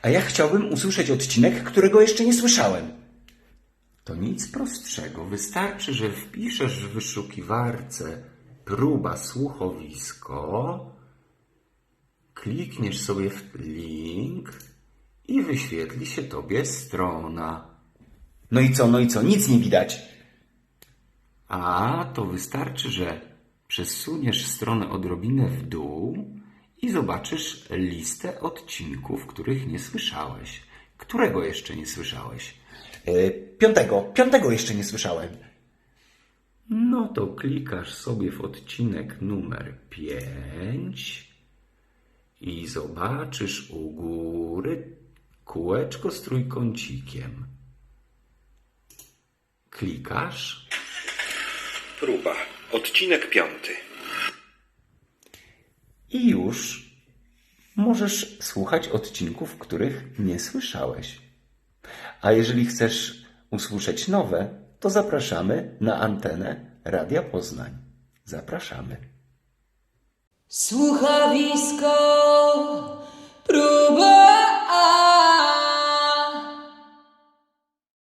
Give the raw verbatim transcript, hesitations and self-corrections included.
A ja chciałbym usłyszeć odcinek, którego jeszcze nie słyszałem. To nic prostszego. Wystarczy, że wpiszesz w wyszukiwarce próba słuchowisko, klikniesz sobie w link i wyświetli się tobie strona. No i co, no i co? Nic nie widać. A to wystarczy, że przesuniesz stronę odrobinę w dół i zobaczysz listę odcinków, których nie słyszałeś. Którego jeszcze nie słyszałeś? Yy, piątego. Piątego jeszcze nie słyszałem. No to klikasz sobie w odcinek numer pięć i zobaczysz u góry kółeczko z trójkącikiem. Klikasz. Próba. Odcinek piąty. I już możesz słuchać odcinków, których nie słyszałeś. A jeżeli chcesz usłyszeć nowe, to zapraszamy na antenę Radia Poznań. Zapraszamy. Słuchowisko